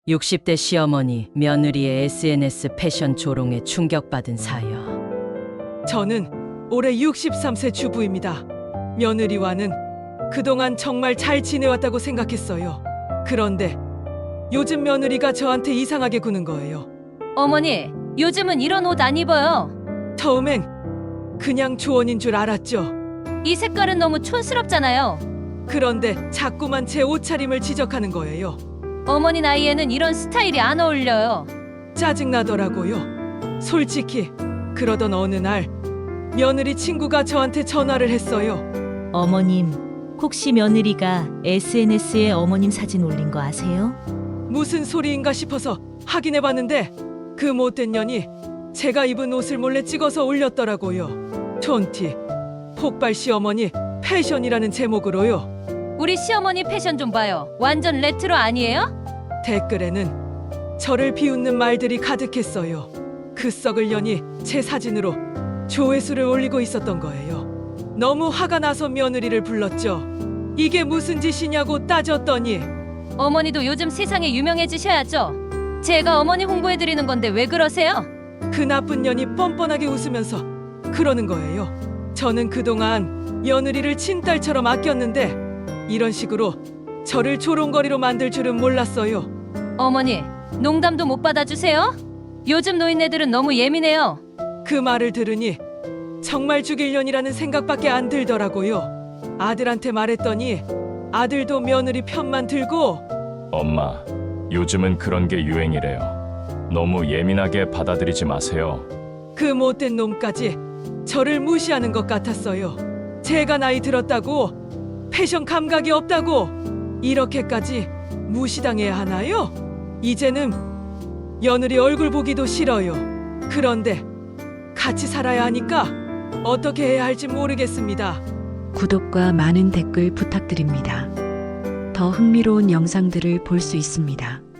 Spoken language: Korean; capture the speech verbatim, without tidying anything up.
육십 대 시어머니 며느리의 에스엔에스 패션 조롱에 충격받은 사연. 저는 올해 육십삼 세 주부입니다. 며느리와는 그동안 정말 잘 지내왔다고 생각했어요. 그런데 요즘 며느리가 저한테 이상하게 구는 거예요. 어머니, 요즘은 이런 옷 안 입어요. 처음엔 그냥 조언인 줄 알았죠. 이 색깔은 너무 촌스럽잖아요. 그런데 자꾸만 제 옷차림을 지적하는 거예요. 어머니 나이에는 이런 스타일이 안 어울려요. 짜증나더라고요. 솔직히 그러던 어느 날 며느리 친구가 저한테 전화를 했어요. 어머님, 혹시 며느리가 에스엔에스에 어머님 사진 올린 거 아세요? 무슨 소리인가 싶어서 확인해봤는데 그 못된 년이 제가 입은 옷을 몰래 찍어서 올렸더라고요. 촌티, 폭발 시어머니 패션이라는 제목으로요. 우리 시어머니 패션 좀 봐요. 완전 레트로 아니에요? 댓글에는 저를 비웃는 말들이 가득했어요. 그 썩을 년이 제 사진으로 조회수를 올리고 있었던 거예요. 너무 화가 나서 며느리를 불렀죠. 이게 무슨 짓이냐고 따졌더니 어머니도 요즘 세상에 유명해지셔야죠. 제가 어머니 홍보해드리는 건데 왜 그러세요? 그 나쁜 년이 뻔뻔하게 웃으면서 그러는 거예요. 저는 그동안 며느리를 친딸처럼 아꼈는데 이런 식으로 저를 조롱거리로 만들 줄은 몰랐어요. 어머니, 농담도 못 받아주세요? 요즘 노인네들은 너무 예민해요. 그 말을 들으니 정말 죽일 년이라는 생각밖에 안 들더라고요. 아들한테 말했더니 아들도 며느리 편만 들고 엄마, 요즘은 그런 게 유행이래요. 너무 예민하게 받아들이지 마세요. 그 못된 놈까지 저를 무시하는 것 같았어요. 제가 나이 들었다고 패션 감각이 없다고 이렇게까지 무시당해야 하나요? 이제는 며느리 얼굴 보기도 싫어요. 그런데 같이 살아야 하니까 어떻게 해야 할지 모르겠습니다. 구독과 많은 댓글 부탁드립니다. 더 흥미로운 영상들을 볼 수 있습니다.